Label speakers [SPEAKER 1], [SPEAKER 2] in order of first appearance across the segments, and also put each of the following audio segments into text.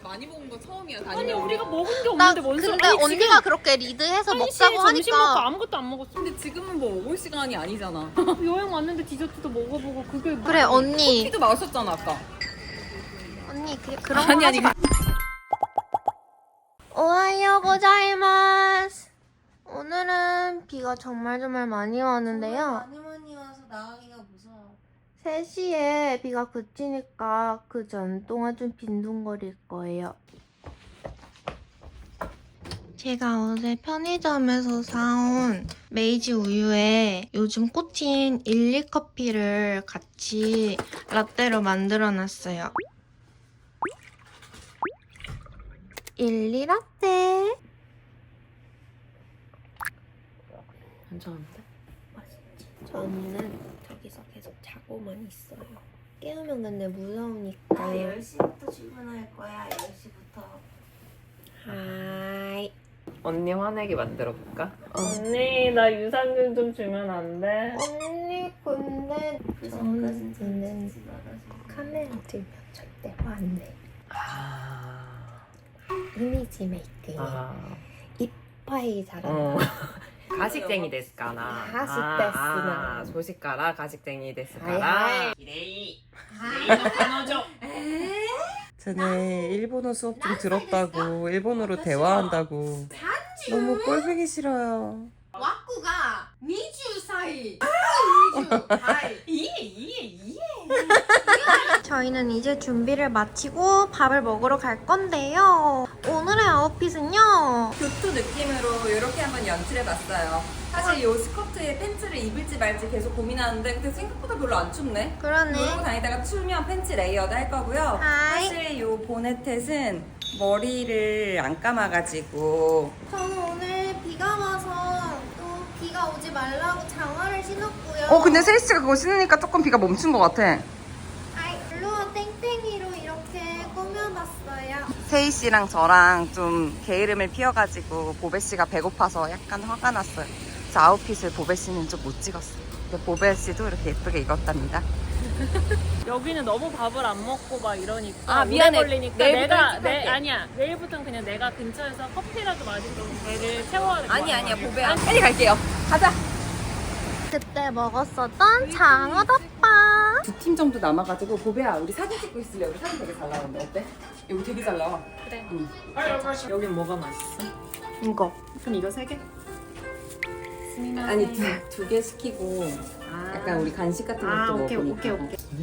[SPEAKER 1] 많이 먹은 거 처음이야.
[SPEAKER 2] 아니 우리가 먹은 게
[SPEAKER 3] 나
[SPEAKER 2] 없는데 뭔 소리?
[SPEAKER 3] 근데
[SPEAKER 2] 아니,
[SPEAKER 3] 언니가
[SPEAKER 2] 지금
[SPEAKER 3] 그렇게 리드해서
[SPEAKER 2] 1시
[SPEAKER 3] 먹자고
[SPEAKER 2] 점심 먹고
[SPEAKER 3] 하니까
[SPEAKER 2] 아무것도 안 먹었어.
[SPEAKER 1] 근데 지금은 뭐 먹을 시간이 아니잖아.
[SPEAKER 2] 여행 왔는데 디저트도 먹어보고 그게
[SPEAKER 3] 그래 언니
[SPEAKER 1] 키도 마셨잖아 아까.
[SPEAKER 3] 언니 그런 거
[SPEAKER 1] 아니,
[SPEAKER 3] 하지
[SPEAKER 1] 아니.
[SPEAKER 3] 마. 오하요 고자이마스. 오늘은 비가 정말 많이 왔는데요.
[SPEAKER 4] 많이 와서 나가기가 무서워.
[SPEAKER 3] 3시에 비가 그치니까 그 전 동안 좀 빈둥거릴 거예요. 제가 어제 편의점에서 사온 메이지 우유에 요즘 꽂힌 일리 커피를 같이 라떼로 만들어 놨어요. 일리 라떼.
[SPEAKER 2] 괜찮은데?
[SPEAKER 3] 맛있지? 저 언니는 저기서 계속 자고만 있어요. 깨우면 근데 무서우니까.
[SPEAKER 4] 나 10시부터 출근할 거야. 10시부터.
[SPEAKER 3] 하이.
[SPEAKER 1] 언니 화내게 만들어 볼까?
[SPEAKER 2] 언니 나 유산균 좀 주면 안 돼?
[SPEAKER 3] 언니 근데
[SPEAKER 4] 그전까진
[SPEAKER 3] 저는
[SPEAKER 4] 같이 나가서.
[SPEAKER 3] 카메라 들면 절대 화 안 내.
[SPEAKER 1] 아.
[SPEAKER 3] 이미지 메이킹. 이빠이 잘한다.
[SPEAKER 1] 가식쟁이 데스까나.
[SPEAKER 3] 가식데스나.
[SPEAKER 1] 소식가라 가식쟁이 데스까라.
[SPEAKER 3] 하이하이.
[SPEAKER 1] 기레이.
[SPEAKER 2] 끊어줘.
[SPEAKER 5] 쟤네 일본어 수업 좀 들었다고 일본어로 대화한다고 너무 꼴보기 싫어요.
[SPEAKER 4] 와꾸가 20살. 20살.
[SPEAKER 3] 저희는 이제 준비를 마치고 밥을 먹으러 갈 건데요. 오늘의 아웃핏은요.
[SPEAKER 1] 교토 느낌으로 이렇게 한번 연출해봤어요. 사실 이 스커트에 팬츠를 입을지 말지 계속 고민하는데 근데 생각보다 별로 안 춥네.
[SPEAKER 3] 그러네.
[SPEAKER 1] 이러고 다니다가 추우면 팬츠 레이어드 할 거고요.
[SPEAKER 3] 하이.
[SPEAKER 1] 사실 이 보네텟은 머리를 안 감아가지고
[SPEAKER 3] 저는 오늘 비가 와서 또 비가 오지 말라고 장화를 신었고요.
[SPEAKER 5] 근데 세이씨가 그거 신으니까 조금 비가 멈춘 것 같아.
[SPEAKER 3] 아이, 블루와 땡땡이로 이렇게 꾸며봤어요.
[SPEAKER 5] 세이씨랑 저랑 좀 게으름을 피워가지고 보배씨가 배고파서 약간 화가 났어요. 그래서 아웃핏을 보배씨는 좀 못 찍었어요. 근데 보배씨도 이렇게 예쁘게 입었답니다.
[SPEAKER 2] 여기는 너무 밥을 안 먹고 막 이러니까
[SPEAKER 1] 아, 미안해.
[SPEAKER 2] 오래 걸리니까
[SPEAKER 1] 내일부터
[SPEAKER 2] 내가
[SPEAKER 1] 일찍 할게.
[SPEAKER 2] 아니야 내일부터는 그냥 내가 근처에서 커피라도 마시고 배를 채워야 돼.
[SPEAKER 1] 아니야 보배야 빨리 갈게요. 가자.
[SPEAKER 3] 그때 먹었었던 장어덮밥.
[SPEAKER 1] 2팀 정도 남아가지고 보배야 우리 사진 찍고 있을래? 우리 사진 되게 잘 나오는데 어때? 여기 되게 잘 나와.
[SPEAKER 2] 그래.
[SPEAKER 1] 응.
[SPEAKER 2] 여긴 뭐가 맛있어?
[SPEAKER 3] 이거.
[SPEAKER 2] 그럼 이거 3개?
[SPEAKER 1] 아니 두 개 시키고 약간 우리 간식 같은 것도 먹으니까.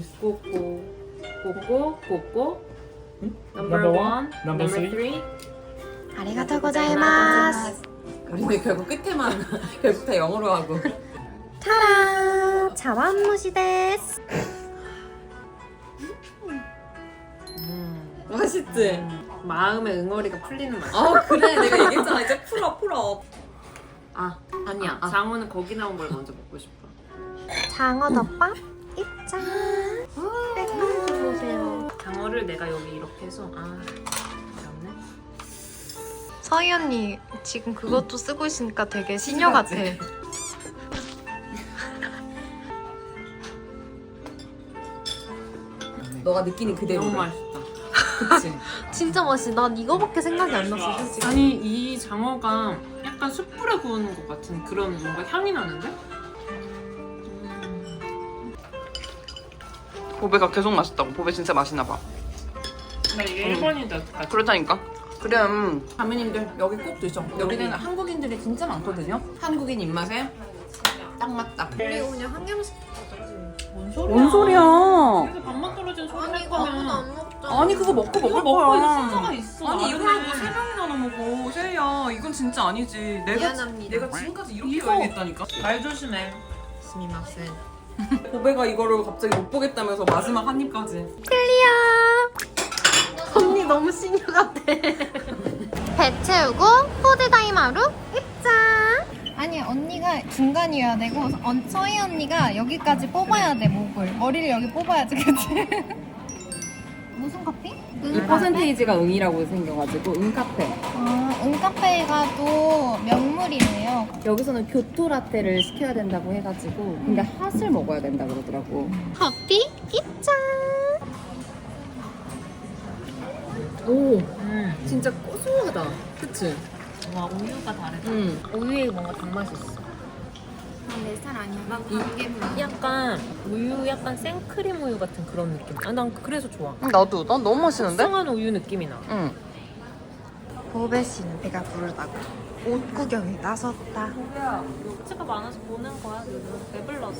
[SPEAKER 2] 꼬꼬 Number 1 Number 3
[SPEAKER 3] 아리가토 고자이마스.
[SPEAKER 1] 우리는 결국 끝에만 결국 다 영어로 하고.
[SPEAKER 3] 타라! 자완무시 데스.
[SPEAKER 1] 맛있지?
[SPEAKER 2] 마음의 응어리가 풀리는 맛.
[SPEAKER 1] 그래 내가 얘기했잖아 이제 풀어.
[SPEAKER 2] 아니야. 장어는 거기 나온 걸 먼저 먹고 싶어.
[SPEAKER 3] 장어덮밥 입장. 색깔 좀 보세요.
[SPEAKER 2] 장어를 내가 여기 이렇게 해서 어렵네.
[SPEAKER 3] 서희 언니 지금 그것도 쓰고 있으니까 되게 시녀 같아.
[SPEAKER 1] 너가 느끼는 그대로.
[SPEAKER 2] 너무 맛있다.
[SPEAKER 1] 그치?
[SPEAKER 3] 진짜 맛있어. 난 이거밖에 생각이 안 났어 솔직히.
[SPEAKER 2] 아니 이 장어가 약간 숯불에 구우는 것 같은 그런 뭔가 향이 나는데?
[SPEAKER 5] 보배가 계속 맛있다고. 보배 진짜 맛있나 봐.
[SPEAKER 2] 나 이게 1번이다.
[SPEAKER 5] 그렇다니까. 그래.
[SPEAKER 1] 가면님들 여기 꼭 드셔. 여기는 한국인들이 진짜 많거든요. 한국인 입맛에 딱 맞다.
[SPEAKER 3] 그리고 그냥 한 개만 시켜.
[SPEAKER 5] 뭔 소리야?
[SPEAKER 2] 그래서 밥만 떨어진 소리
[SPEAKER 3] 아니
[SPEAKER 2] 할
[SPEAKER 3] 이거 아무도
[SPEAKER 2] 거면
[SPEAKER 3] 안 먹잖아.
[SPEAKER 5] 아니 그거 먹고 먹을
[SPEAKER 2] 먹고
[SPEAKER 5] 거야.
[SPEAKER 2] 있는 순서가 있어.
[SPEAKER 5] 아니
[SPEAKER 2] 나중에.
[SPEAKER 5] 이걸 뭐 3명이나 먹어. 세이야 이건 진짜 아니지.
[SPEAKER 3] 미안합니다.
[SPEAKER 5] 내가 지금까지 이렇게
[SPEAKER 2] 이거.
[SPEAKER 5] 여행했다니까.
[SPEAKER 2] 말 조심해. 스미마센.
[SPEAKER 5] 보배가 이거를 갑자기 못 보겠다면서 마지막 한 입까지.
[SPEAKER 3] 클리어. 언니 너무 시녀 같아. 배 채우고 포드다이마루 입장. 아니 언니가 중간이어야 되고 서희 언니가 여기까지 뽑아야 돼 목을. 머리를 여기 뽑아야지 그치? 무슨 커피?
[SPEAKER 1] 이 퍼센테이지가 응이라고 생겨가지고 응카페.
[SPEAKER 3] 응카페가 또 명물이네요.
[SPEAKER 1] 여기서는 교토 라떼를 시켜야 된다고 해가지고 근데 핫을 먹어야 된다 그러더라고.
[SPEAKER 3] 커피 입장.
[SPEAKER 1] 오, 진짜 고소하다. 그치?
[SPEAKER 2] 와 우유가 다르다.
[SPEAKER 1] 우유에 뭔가 단맛이 있어.
[SPEAKER 4] 내 스타일 아니야. 난 단계물.
[SPEAKER 2] 약간 우유 약간 생크림 우유 같은 그런 느낌. 난 그래서 좋아.
[SPEAKER 5] 나도. 난 너무 맛있는데?
[SPEAKER 2] 숙성한 우유 느낌이 나.
[SPEAKER 5] 응. 보배 씨는 배가 부르다고 옷 구경에 나섰다.
[SPEAKER 2] 숙제가 많아서 보는 거야. 배불러서.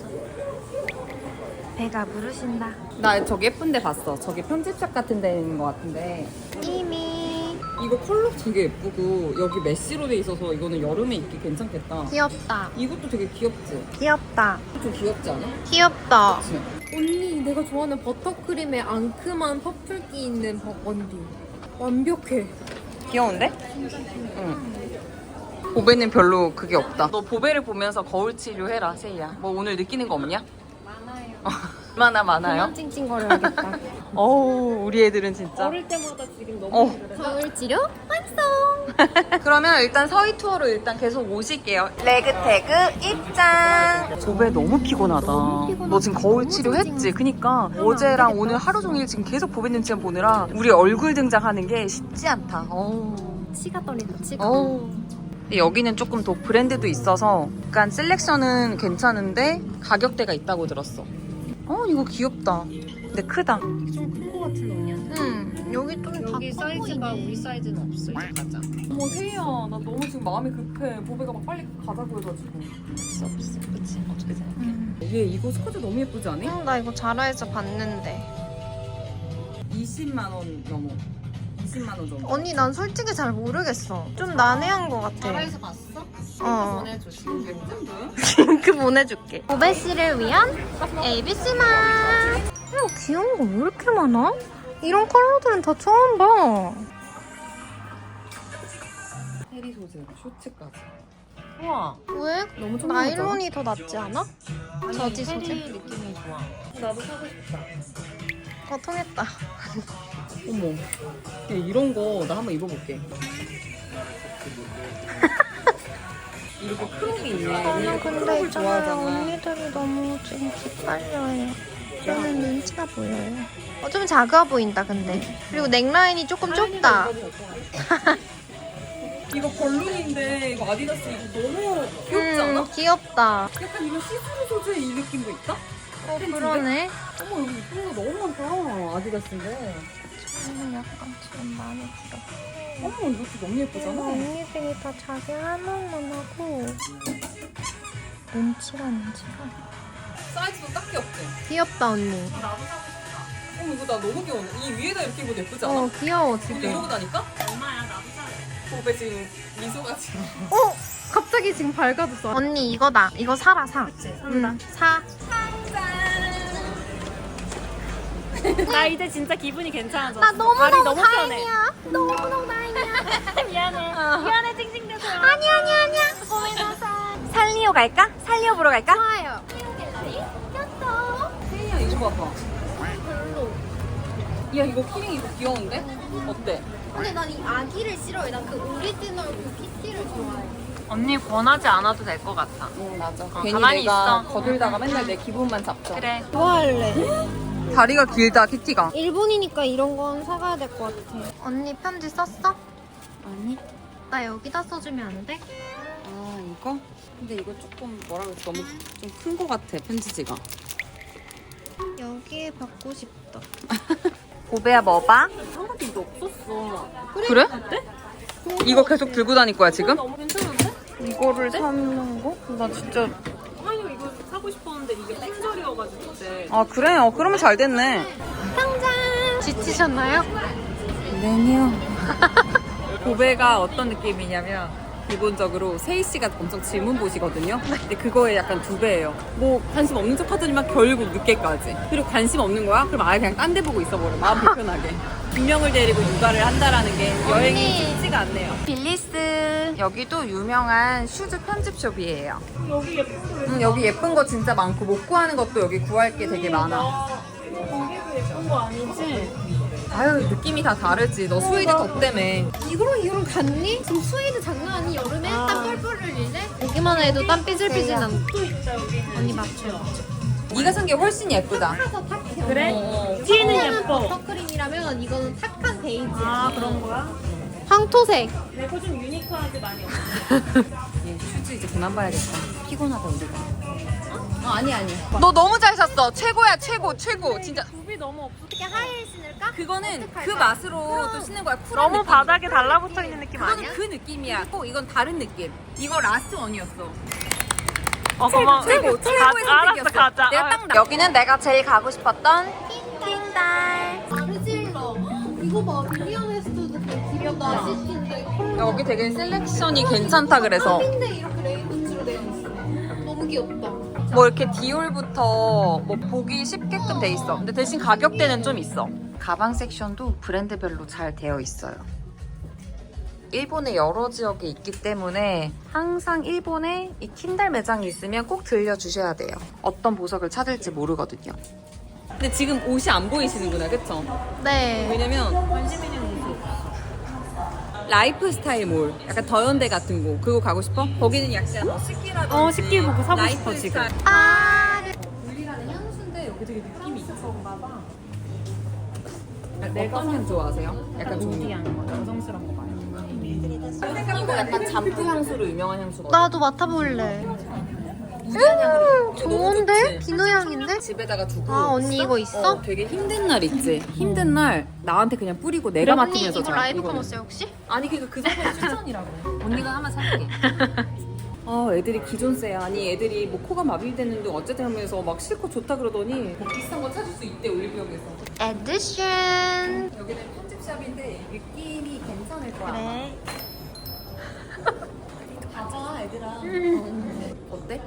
[SPEAKER 5] 배가 부르신다.
[SPEAKER 1] 나 저기 예쁜 데 봤어. 저기 편집샵 같은 데 있는 것 같은데.
[SPEAKER 3] 이미
[SPEAKER 1] 이거 컬러 되게 예쁘고 여기 메쉬로 돼 있어서 이거는 여름에 입기 괜찮겠다.
[SPEAKER 3] 귀엽다.
[SPEAKER 1] 이것도 되게 귀엽지?
[SPEAKER 3] 귀엽다.
[SPEAKER 1] 좀 귀엽지 않아?
[SPEAKER 3] 귀엽다.
[SPEAKER 1] 그치?
[SPEAKER 4] 언니 내가 좋아하는 버터크림에 앙큼한 퍼플기 있는 원디. 완벽해.
[SPEAKER 5] 귀여운데? 응. 보배는 별로 그게 없다. 너 보배를 보면서 거울 치료해라, 세이야. 뭐 오늘 느끼는 거 없냐? 얼마나 많아요?
[SPEAKER 3] 그만 찡찡거려야겠다.
[SPEAKER 5] 어우, 우리 애들은 진짜.
[SPEAKER 2] 어릴 때보다 지금 너무
[SPEAKER 3] 거울 치료 완성.
[SPEAKER 5] 그러면 일단 서희 투어로 일단 계속 오실게요. 레그 태그 입장. 보배 너무 피곤하다. 너 지금 거울 치료했지? 그니까 어제랑 오늘 하루 종일 지금 계속 보배 눈치만 보느라 우리 얼굴 등장하는 게 쉽지 않다. 어우.
[SPEAKER 3] 치가 떨린다. 치가.
[SPEAKER 5] 어우. 근데 여기는 조금 더 브랜드도 있어서 약간 셀렉션은 괜찮은데 가격대가 있다고 들었어. 이거 귀엽다. 근데 크다.
[SPEAKER 2] 좀큰거 같은 언니한테.
[SPEAKER 3] 여기 좀
[SPEAKER 2] 여기
[SPEAKER 3] 다
[SPEAKER 2] 사이즈가
[SPEAKER 3] 커 보이네.
[SPEAKER 2] 우리 사이즈는 없어. 이제 가자.
[SPEAKER 1] 어머 세희야, 나 너무 지금 마음이 급해. 보배가 막 빨리 가자고 해가지고.
[SPEAKER 5] 없어. 그치? 어떻게 생각해?
[SPEAKER 1] 얘 이거 스커트 너무 예쁘지 않니?
[SPEAKER 3] 나 이거 자라에서 봤는데.
[SPEAKER 1] 20만 원 넘어. 20만 원 정도.
[SPEAKER 3] 언니 난 솔직히 잘 모르겠어. 좀 난해한 것 같아.
[SPEAKER 2] 나라에서 봤어?
[SPEAKER 3] 어.
[SPEAKER 2] 보내줘.
[SPEAKER 3] 링크 보내줄게. 보배 씨를 위한 ABC 맛. 귀여운 거 왜 이렇게 많아? 이런 컬러들은 다 처음 봐.
[SPEAKER 1] 해리 소재, 쇼츠까지.
[SPEAKER 2] 우와.
[SPEAKER 3] 왜?
[SPEAKER 1] 너무 좀
[SPEAKER 3] 나일론이 더 낫지 않아? 저지 소재?
[SPEAKER 2] 페리 느낌이 좋아. 나도 사고 싶다.
[SPEAKER 3] 통했다.
[SPEAKER 1] 어머. 야, 이런 거 나 한번 입어볼게. 이렇게 크롭이 있네.
[SPEAKER 3] 저는 근데
[SPEAKER 1] 크롭을
[SPEAKER 3] 있잖아요.
[SPEAKER 1] 좋아하잖아.
[SPEAKER 3] 언니들이 너무 지금 기빨려요. 저는 눈치가 보여요. 좀 작아 보인다 근데. 그리고 넥라인이 조금 좁다.
[SPEAKER 1] 이거 벌룬인데 이거 아디다스 이거 너무 귀엽지 않아?
[SPEAKER 3] 귀엽다.
[SPEAKER 1] 약간 이거 시스루 소재 이 느낌도 있다?
[SPEAKER 3] 그러네.
[SPEAKER 1] 어머 여기 이쁜 거 너무 많다. 아디다스인데.
[SPEAKER 3] 저는 약간 지금 마음에 들어.
[SPEAKER 1] 어머 이것도 너무 예쁘잖아.
[SPEAKER 3] 언니들이 다 자기 할 말만 하고 눈치가.
[SPEAKER 1] 사이즈도 딱 귀엽지?
[SPEAKER 3] 귀엽다 언니.
[SPEAKER 1] 어머 이거 나 너무 귀여워. 이 위에다 이렇게 입어도 예쁘지 않아?
[SPEAKER 3] 귀여워
[SPEAKER 1] 근데
[SPEAKER 3] 지금.
[SPEAKER 1] 이러고 다니까?
[SPEAKER 2] 얼마야? 나도 사래.
[SPEAKER 1] 보배 지금 미소가 지금.
[SPEAKER 3] 갑자기 지금 밝아졌어. 언니 이거다. 이거 사라 사.
[SPEAKER 2] 그치, 산다.
[SPEAKER 3] 사.
[SPEAKER 2] 나 이제 진짜 기분이 괜찮아졌어.
[SPEAKER 3] 나
[SPEAKER 2] 발이
[SPEAKER 3] 너무너무
[SPEAKER 2] 너무 편해.
[SPEAKER 3] 다행이야. 너무너무 다행이야.
[SPEAKER 2] 미안해. 미안해 찡찡대서.
[SPEAKER 3] 아니야.
[SPEAKER 5] 살리오 갈까? 살리오 보러 갈까?
[SPEAKER 3] 좋아요.
[SPEAKER 1] 세이야 이거 봐봐. 야 이거 키링 이거 귀여운데? 어때?
[SPEAKER 3] 근데 난 이 아기를 싫어해. 난 그 오리지널 그 키티를 좋아해.
[SPEAKER 2] 언니 권하지 않아도 될 것 같아.
[SPEAKER 1] 응 맞아.
[SPEAKER 2] 괜히 가만히 내가 있어.
[SPEAKER 1] 거들다가 맨날 내 기분만 잡죠.
[SPEAKER 2] 그래.
[SPEAKER 3] 좋아할래.
[SPEAKER 5] 다리가 길다, 키티가.
[SPEAKER 3] 일본이니까 이런 건 사가야 될 것 같아. 언니 편지 썼어?
[SPEAKER 1] 아니?
[SPEAKER 3] 나 여기다 써주면 안 돼?
[SPEAKER 1] 아 이거? 근데 이거 조금 뭐라 그랬지? 너무 좀 큰 거 같아 편지지가.
[SPEAKER 3] 여기에 받고 싶다.
[SPEAKER 5] 보배야 뭐 봐?
[SPEAKER 2] 한번도 이거 없었어.
[SPEAKER 5] 그래? 이거 계속 들고 다닐 거야 지금?
[SPEAKER 2] 너무 괜찮은데?
[SPEAKER 5] 이거를 사는 거? 나 진짜.
[SPEAKER 2] 아니 이거 사고 싶었는데 이게 품절이어가지고 그때.
[SPEAKER 5] 아 그래? 그러면 잘 됐네.
[SPEAKER 3] 지치셨나요?
[SPEAKER 1] 네요. 보배가 어떤 느낌이냐면 기본적으로 세희 씨가 엄청 질문 보시거든요. 근데 그거에 약간 2배예요. 뭐 관심 없는 척 하더니만 결국 늦게까지. 그리고 관심 없는 거야? 그럼 아예 그냥 딴 데 보고 있어버려. 마음 불편하게. 2명을 데리고 육아를 한다라는 게 여행이 쉽지가 않네요.
[SPEAKER 5] 빌리스. 여기도 유명한 슈즈 편집숍이에요.
[SPEAKER 2] 여기 예쁜 거
[SPEAKER 1] 여기 예쁜 거 진짜 많고 못 구하는 것도 여기 구할 게 되게 많아.
[SPEAKER 2] 거기도 예쁜 거 아니지?
[SPEAKER 1] 아유 느낌이 다 다르지. 너 스웨이드 덕때문에.
[SPEAKER 3] 이거랑 같니? 지금 스웨이드 장난 아니? 여름에 땀 뻘뻘 흘릴래? 보기만 해도 땀 삐질삐질 난다.
[SPEAKER 2] 또 있다 여기.
[SPEAKER 3] 언니 맞춰요.
[SPEAKER 1] 네가 산 게 훨씬 예쁘다.
[SPEAKER 2] 그래? 뒤에는 예뻐.
[SPEAKER 4] 버터크림이라면 이거는 탁한 베이지.
[SPEAKER 2] 아 그런 거야?
[SPEAKER 4] 황토색.
[SPEAKER 2] 내거 좀 유니크하게 많이 없어.
[SPEAKER 1] 얘 슈즈 이제 그만 봐야겠다. 피곤하다 우리가. 아니야.
[SPEAKER 5] 너 너무 잘 샀어. 최고야 최고. 진짜.
[SPEAKER 2] 굽이 너무 없어.
[SPEAKER 4] 어떻게 하이힐 신을까?
[SPEAKER 1] 그거는 그 맛으로 또 신는 거야. 쿨한
[SPEAKER 2] 너무
[SPEAKER 1] 느낌.
[SPEAKER 2] 바닥에 달라붙어 있는 느낌
[SPEAKER 1] 그거는
[SPEAKER 2] 아니야?
[SPEAKER 1] 그 느낌이야. 이건 다른 느낌. 이거 라스트 원이었어.
[SPEAKER 2] 고마워.
[SPEAKER 1] 최고의
[SPEAKER 2] 알았어
[SPEAKER 1] 선택이었어.
[SPEAKER 2] 가자.
[SPEAKER 1] 내가 딱
[SPEAKER 5] 여기는 내가 제일 가고 싶었던
[SPEAKER 4] 아르질러. 이거 봐. 윌리엄 웨스트도 되게 귀엽다. 시티인데 컬러.
[SPEAKER 5] 여기 되게 셀렉션이 괜찮다 그래서
[SPEAKER 4] 데 이렇게 레이먼즈로 되어 있어. 너무 귀엽다.
[SPEAKER 5] 뭐 이렇게 디올부터 뭐 보기 쉽게끔 돼 있어. 근데 대신 가격대는 좀 있어. 가방 섹션도 브랜드별로 잘 되어 있어요. 일본의 여러 지역에 있기 때문에 항상 일본에 이 킨달 매장이 있으면 꼭 들려주셔야 돼요. 어떤 보석을 찾을지 모르거든요.
[SPEAKER 1] 근데 지금 옷이 안 보이시는구나, 그쵸?
[SPEAKER 3] 네.
[SPEAKER 1] 왜냐면 라이프 스타일 몰, 약간 더현대 같은 곳 그거 가고 싶어? 거기는 약간 뭐 식기라든지
[SPEAKER 2] 식기 보고 사고
[SPEAKER 1] 라이프
[SPEAKER 2] 싶어, 지금.
[SPEAKER 1] 스타일.
[SPEAKER 4] 울리라는 향수인데 여기 되게 느낌이 있어.
[SPEAKER 1] 어떤 향 좋아하세요? 약간 종류.
[SPEAKER 2] 여성스러운 거 봐요.
[SPEAKER 1] 이거 약간 잠프 향수로 유명한 향수거든.
[SPEAKER 3] 나도 맡아볼래.
[SPEAKER 1] 우디한 향으로.
[SPEAKER 3] 좋은데? 비누 향인데?
[SPEAKER 1] 집에다가 두고.
[SPEAKER 3] 아, 언니 이거 있어?
[SPEAKER 1] 되게 힘든 날 있지. 힘든 날 나한테 그냥 뿌리고 내가
[SPEAKER 3] 언니
[SPEAKER 1] 맡으면서
[SPEAKER 3] 이거
[SPEAKER 1] 자.
[SPEAKER 3] 라이브
[SPEAKER 1] 이거는.
[SPEAKER 3] 커머스야 혹시?
[SPEAKER 1] 아니 그 정도 추천이라고. 언니가 하나 살게. 애들이 기존세야. 아니 애들이 뭐 코가 마비되는데 어쨌든 하면서 막 실컷 좋다 그러더니 뭐 비싼 거 찾을 수 있대 올리브영에서.
[SPEAKER 3] 에디션.
[SPEAKER 1] 여기는 편집샵인데 느낌이 괜찮을 거야.
[SPEAKER 3] 그래.
[SPEAKER 1] 가자 애들아. 어때?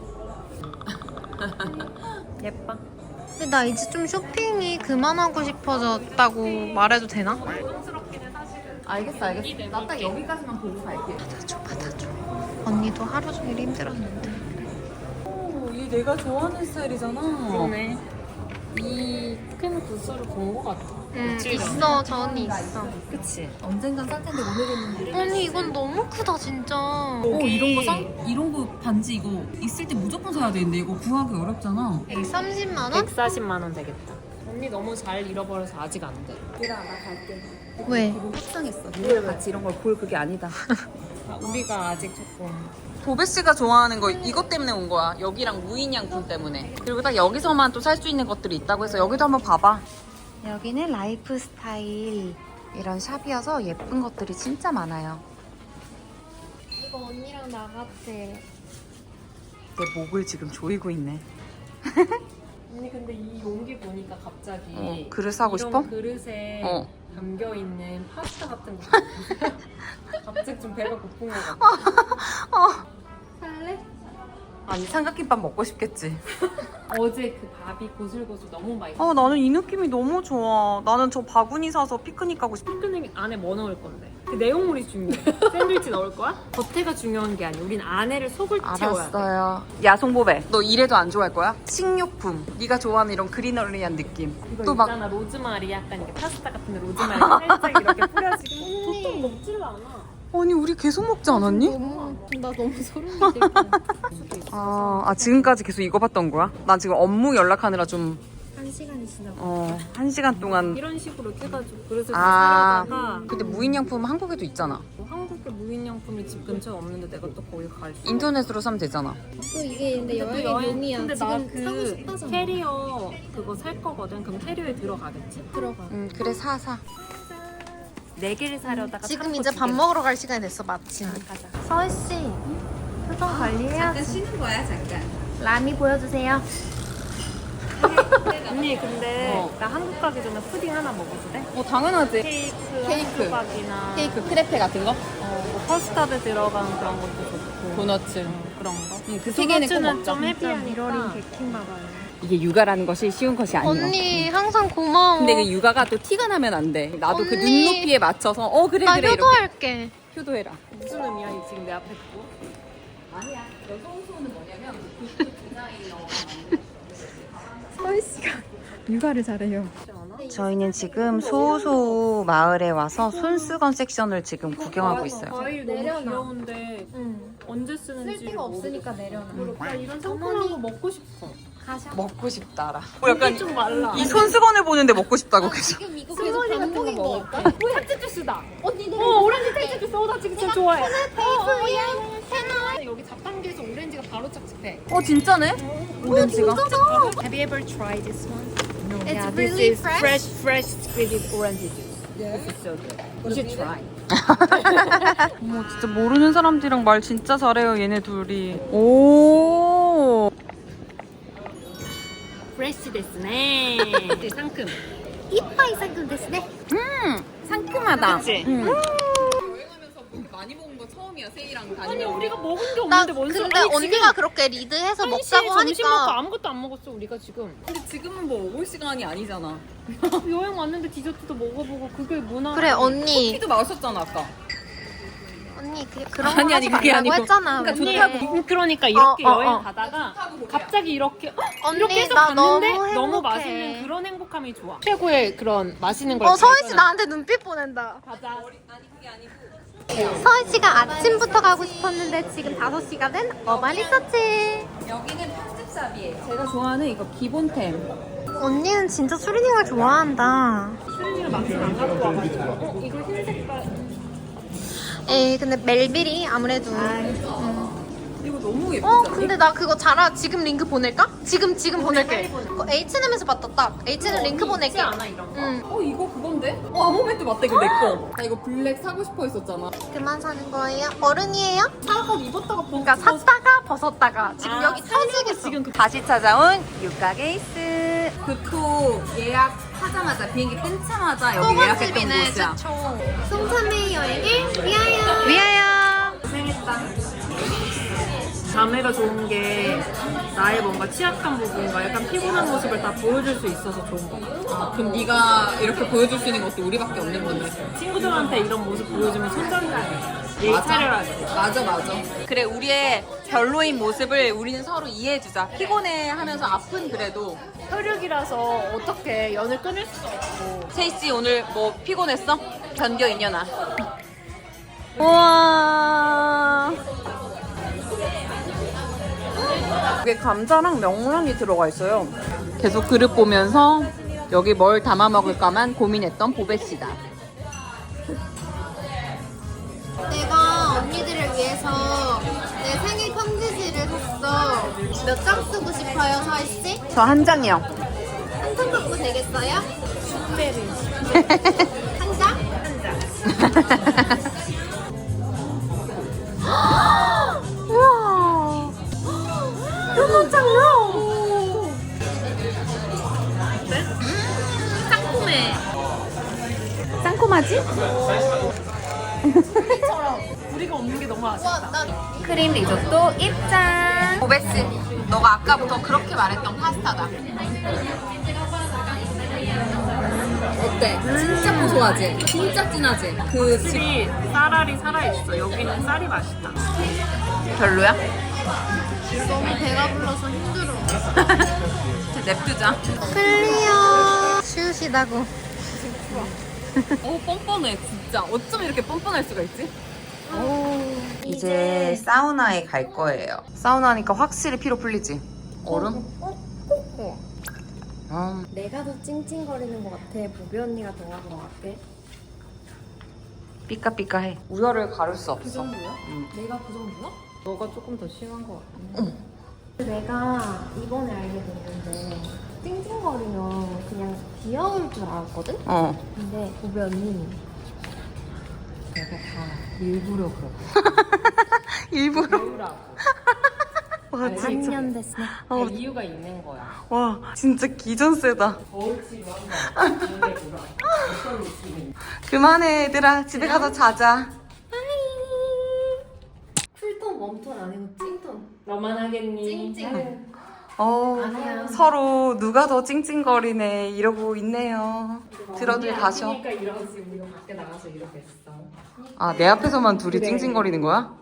[SPEAKER 3] 예뻐. 근데 나 이제 좀 쇼핑이 그만하고 싶어졌다고 말해도 되나?
[SPEAKER 1] 알겠어. 나 딱 여기까지만 보고 갈게.
[SPEAKER 3] 받아줘. 언니도 하루 종일 힘들었는데.
[SPEAKER 1] 얘 내가 좋아하는 스타일이잖아.
[SPEAKER 2] 그러네. 이 큰 구슬을 본 거 같아.
[SPEAKER 3] 있어. 저 언니 있어.
[SPEAKER 1] 그치. 언젠간 살 텐데 오늘은.
[SPEAKER 3] 언니 이건 너무 크다 진짜.
[SPEAKER 1] 이런 거 반지 이거 있을 때 무조건 사야 되는데 이거 구하기 어렵잖아.
[SPEAKER 3] 30만 원?
[SPEAKER 2] 140만 원 되겠다. 언니 너무 잘 잃어버려서 아직 안 돼.
[SPEAKER 1] 얘들아 나 갈게.
[SPEAKER 3] 왜?
[SPEAKER 1] 기분 확상했어. 니네랑 같이 이런 걸 볼 그게 아니다.
[SPEAKER 2] 우리가 아직 조금.
[SPEAKER 5] 도배 씨가 좋아하는 거 이것 때문에 온 거야. 여기랑 무인양품 때문에. 그리고 딱 여기서만 또 살 수 있는 것들이 있다고 해서 여기도 한번 봐봐. 여기는 라이프 스타일 이런 샵이어서 예쁜 것들이 진짜 많아요.
[SPEAKER 4] 이거 언니랑 나 같아.
[SPEAKER 5] 내 목을 지금 조이고 있네.
[SPEAKER 2] 언니 근데 이 용기 보니까 갑자기
[SPEAKER 5] 그릇 사고
[SPEAKER 2] 이런
[SPEAKER 5] 싶어?
[SPEAKER 2] 그릇에
[SPEAKER 5] 어.
[SPEAKER 2] 담겨 있는 파스타 같은 거 갑자기 좀 배가 고픈 것 같아.
[SPEAKER 4] 살래?
[SPEAKER 5] 아니 삼각김밥 먹고 싶겠지.
[SPEAKER 2] 어제 그 밥이 고슬고슬 너무 맛있어.
[SPEAKER 5] 나는 이 느낌이 너무 좋아. 나는 저 바구니 사서 피크닉 가고 싶어.
[SPEAKER 2] 피크닉 안에 뭐 넣을 건데? 그 내용물이 중요해. 샌드위치 넣을 거야? 겉에가 중요한 게 아니야. 우린 안에를 속을 채워야 돼.
[SPEAKER 5] 알았어요. 야 송보배, 너 이래도 안 좋아할 거야? 식료품. 네가 좋아하는 이런 그리너리한 느낌.
[SPEAKER 2] 이거
[SPEAKER 5] 또 막
[SPEAKER 2] 있잖아 로즈마리 약간 이렇게 파스타 같은데 로즈마리 살짝 이렇게 뿌려지고 보통 먹지를 않아.
[SPEAKER 5] 아니 우리 계속 먹지 않았니?
[SPEAKER 4] 나 너무 소름이 돋아.
[SPEAKER 5] 지금까지 계속 이거 봤던 거야? 난 지금 업무 연락하느라 좀
[SPEAKER 4] 1시간이 지나고.
[SPEAKER 5] 1시간 동안.
[SPEAKER 2] 이런 식으로 이렇게 해가지고 그래서
[SPEAKER 5] 아.
[SPEAKER 2] 사려다가
[SPEAKER 5] 근데 무인양품 한국에도 있잖아.
[SPEAKER 2] 뭐 한국의 무인양품이 집 근처에 없는데 내가 또 거기 갈 수.
[SPEAKER 5] 인터넷으로 사면 되잖아.
[SPEAKER 4] 또 이게 근데 여행의 묘미야.
[SPEAKER 2] 근데
[SPEAKER 4] 지금
[SPEAKER 2] 나
[SPEAKER 4] 사고
[SPEAKER 2] 그
[SPEAKER 4] 싶다잖아.
[SPEAKER 2] 캐리어 그거 살 거거든. 그럼 캐리어에 들어가겠지?
[SPEAKER 4] 들어가.
[SPEAKER 5] 그래 사.
[SPEAKER 2] 4개를 사려다가
[SPEAKER 3] 지금 이제 밥 먹으러 갈 시간이 됐어 마침.
[SPEAKER 2] 가자.
[SPEAKER 3] 서희씨 표정 관리해야지.
[SPEAKER 1] 쉬는 거야 잠깐.
[SPEAKER 3] 라미 보여주세요.
[SPEAKER 2] 언니 근데 나 한국 가기 전에 푸딩 하나 먹어도 돼?
[SPEAKER 1] 당연하지.
[SPEAKER 2] 케이크 조각이나
[SPEAKER 1] 케이크 크레페 같은 거?
[SPEAKER 2] 뭐 커스터드 들어간 그런 것도 좋고
[SPEAKER 1] 도너츠.
[SPEAKER 2] 그런 거.
[SPEAKER 1] 그 세 개는 꼭
[SPEAKER 2] 도너츠는
[SPEAKER 1] 먹자.
[SPEAKER 2] 좀 헤비하니까.
[SPEAKER 3] 미러링 베킹 봐봐요.
[SPEAKER 1] 이게 육아라는 것이 쉬운 것이 아니야.
[SPEAKER 3] 언니 항상 고마워.
[SPEAKER 1] 근데 그 육아가 또 티가 나면 안 돼. 나도 그
[SPEAKER 3] 언니.
[SPEAKER 1] 눈높이에 맞춰서 그래
[SPEAKER 3] 나
[SPEAKER 1] 그래 이렇게
[SPEAKER 3] 효도할게.
[SPEAKER 1] 효도해라.
[SPEAKER 2] 무슨 의미야 이 지금 내 앞에 두고?
[SPEAKER 1] 아니야. 여성소는 뭐냐면 그 디자이너가
[SPEAKER 3] 육아를 잘해요.
[SPEAKER 5] 저희는 지금 소소 마을에 와서 손수건 섹션을 지금 구경하고 있어요.
[SPEAKER 2] 과일 너무
[SPEAKER 4] 내려놔.
[SPEAKER 2] 귀여운데
[SPEAKER 4] 응.
[SPEAKER 2] 언제 쓰는지
[SPEAKER 4] 쓸 데가 없으니까 내려놔.
[SPEAKER 2] 나 이런 상큼한 거 먹고 싶어.
[SPEAKER 5] 먹고 싶다라. 약간
[SPEAKER 2] 좀 말라.
[SPEAKER 5] 이 손수건을 보는데 먹고 싶다고 계속.
[SPEAKER 4] 지금 이거 계속 받는 거 먹을까?
[SPEAKER 2] 탈지 주스다.
[SPEAKER 4] 언니 내가
[SPEAKER 2] 오렌지 탈지 주스. 나 지금 진짜 좋아해.
[SPEAKER 4] 여기 잡담기에서 오렌지가 바로 착즙해.
[SPEAKER 5] 진짜네? 오렌지가.
[SPEAKER 2] Have you ever tried this one?
[SPEAKER 4] It's
[SPEAKER 2] Yeah,
[SPEAKER 4] really
[SPEAKER 2] this is
[SPEAKER 4] fresh.
[SPEAKER 2] fresh squeezed orange juice. This is so good. You should try.
[SPEAKER 5] 어머, 진짜 모르는 사람들이랑 말 진짜 잘해요, 얘네 둘이. 오.
[SPEAKER 2] 프레시 데스네. 상큼.
[SPEAKER 3] 이빠이 상큼 됐네.
[SPEAKER 5] 상큼하다.
[SPEAKER 2] 그치?
[SPEAKER 1] 여행하면서 많이 먹은 거 처음이야, 세이랑
[SPEAKER 2] 아니
[SPEAKER 1] 다니면.
[SPEAKER 2] 우리가 먹은 게
[SPEAKER 3] 나
[SPEAKER 2] 없는데 뭔 소리?
[SPEAKER 3] 근데 언니가 그렇게 리드해서 먹자고
[SPEAKER 2] 점심 먹고
[SPEAKER 3] 하니까
[SPEAKER 2] 아무것도 안 먹었어 우리가 지금.
[SPEAKER 1] 근데 지금은 뭐 먹을 시간이 아니잖아.
[SPEAKER 2] 여행 왔는데 디저트도 먹어보고 그게 문화.
[SPEAKER 3] 그래 언니
[SPEAKER 1] 피도 마셨잖아, 아까.
[SPEAKER 3] 언니 그런
[SPEAKER 1] 아니,
[SPEAKER 3] 거 하지
[SPEAKER 1] 아니, 그게
[SPEAKER 3] 말라고
[SPEAKER 1] 아니고.
[SPEAKER 3] 했잖아.
[SPEAKER 1] 그러니까
[SPEAKER 3] 근데.
[SPEAKER 1] 좋다고.
[SPEAKER 2] 그러니까 이렇게
[SPEAKER 3] 어, 어,
[SPEAKER 2] 여행
[SPEAKER 3] 어.
[SPEAKER 2] 가다가 갑자기 이렇게
[SPEAKER 3] 언니,
[SPEAKER 2] 이렇게 해서
[SPEAKER 3] 나
[SPEAKER 2] 갔는데
[SPEAKER 3] 너무
[SPEAKER 2] 너무
[SPEAKER 3] 행복해.
[SPEAKER 2] 맛있는 그런 행복함이 좋아. 최고의 그런 맛있는 걸.
[SPEAKER 3] 서희 씨 나한테 눈빛 보낸다.
[SPEAKER 2] 가자.
[SPEAKER 3] 서희 씨가 아침부터 가고 싶었는데 지금 5시가 된 어반 리서치.
[SPEAKER 1] 여기는 편집샵이에요. 제가 좋아하는 이거 기본템.
[SPEAKER 3] 언니는 진짜 수리닝을 좋아한다.
[SPEAKER 2] 수린이가 막상 안 갖고 와가지고 이거 흰 색깔.
[SPEAKER 3] 에이 근데 멜빌이 아무래도
[SPEAKER 1] 이거 너무 예쁘지 않니?
[SPEAKER 3] 근데 나 그거 잘아 지금 링크 보낼까? 지금 보낼게. 그거 H&M에서 봤다 딱. H&M 링크 보낼게.
[SPEAKER 2] 않아 이런 거.
[SPEAKER 3] 응.
[SPEAKER 1] 이거 그건데? 아모멘트 맞다, 이거 내 거. 나 이거 블랙 사고 싶어 했었잖아.
[SPEAKER 3] 그만 사는 거예요? 어른이에요?
[SPEAKER 2] 사고 입었다가
[SPEAKER 3] 그러니까 샀다가 벗었다가 지금 여기 터지겠어.
[SPEAKER 2] 지금
[SPEAKER 5] 다시 찾아온 유카 게이스.
[SPEAKER 1] 그토 예약하자마자 비행기 끊자마자 여기 예약했던
[SPEAKER 3] 소금집이네
[SPEAKER 1] 곳이야.
[SPEAKER 3] 최초. 송삼의 여행을 위하여.
[SPEAKER 5] 위하여.
[SPEAKER 2] 고생했다. 자매가 좋은 게 나의 뭔가 취약한 부분과 약간 피곤한 모습을 다 보여줄 수 있어서 좋은 거 같아.
[SPEAKER 1] 그럼 네가 이렇게 보여줄 수 있는 것도 우리밖에 없는 건데.
[SPEAKER 2] 친구들한테 이런 모습 보여주면 손절해야 돼. 예의 차려야 돼.
[SPEAKER 1] 맞아.
[SPEAKER 5] 그래, 우리의 별로인 모습을 우리는 서로 이해해주자. 피곤해 하면서 아픈 그래도.
[SPEAKER 2] 혈육이라서 어떻게 연을 끊을 수 없고.
[SPEAKER 5] 세이씨 오늘 뭐 피곤했어? 견뎌 이년아. 우와. 이게 감자랑 명란이 들어가 있어요. 계속 그릇 보면서 여기 뭘 담아 먹을까만 고민했던 보배씨다.
[SPEAKER 3] 내가 언니들을 위해서 내 생일 편지지를 샀어. 몇 장 쓰고 싶어요, 서희 씨?
[SPEAKER 5] 저 한 장이요.
[SPEAKER 3] 한 장 갖고 되겠어요? 한 장? 우와. 이거 장난.
[SPEAKER 2] 상콤해.
[SPEAKER 5] 쌍콤하지?
[SPEAKER 2] 우리가 없는 게 너무 아쉽다.
[SPEAKER 3] 와, 나
[SPEAKER 5] 크림 리조또 입장. 보배씨, 너가 아까부터 그렇게 말했던 파스타다.
[SPEAKER 1] 어때? 진짜 고소하지? 진짜 진하지? 그 집.
[SPEAKER 2] 확실히 쌀알이 살아있어. 여기는 쌀이 맛있다.
[SPEAKER 5] 별로야?
[SPEAKER 3] 너무 배가 불러서 힘들어.
[SPEAKER 5] 냅두자.
[SPEAKER 3] 클리어. 쉬우시다고.
[SPEAKER 1] 뻔뻔해, 진짜. 어쩜 이렇게 뻔뻔할 수가 있지?
[SPEAKER 5] 이제 사우나에 갈 거예요. 사우나 하니까 확실히 피로 풀리지? 얼음?
[SPEAKER 4] 내가 더 찡찡거리는 것 같아. 보배 언니가 더 하는 것 같아.
[SPEAKER 5] 삐까삐까해. 우열을 가릴 수 없어.
[SPEAKER 4] 정도야? 내가 그 정도야?
[SPEAKER 1] 너가 조금 더 심한 것 같아.
[SPEAKER 4] 내가 이번에 알게 됐는데 찡찡거리면 그냥 귀여울 줄 알았거든? 근데 보배 언니 내가 다 일부러 그렇고
[SPEAKER 5] 일부러? 와, 진짜.
[SPEAKER 4] 3년 됐네.
[SPEAKER 2] 이유가 있는 거야.
[SPEAKER 5] 와, 진짜 기전 세다. 그만해, 얘들아. 집에 가서 자자.
[SPEAKER 4] 쿨톤, 웜톤 아니고 찡톤.
[SPEAKER 2] 너만 하겠니?
[SPEAKER 4] 찡찡.
[SPEAKER 3] 아니야.
[SPEAKER 5] 서로 누가 더 찡찡거리네 이러고 있네요. 들어들 가셔.
[SPEAKER 2] 그러니까 이러지. 우리가 밖에 나가서 이러겠어.
[SPEAKER 5] 아, 내 앞에서만 둘이 찡찡거리는 거야?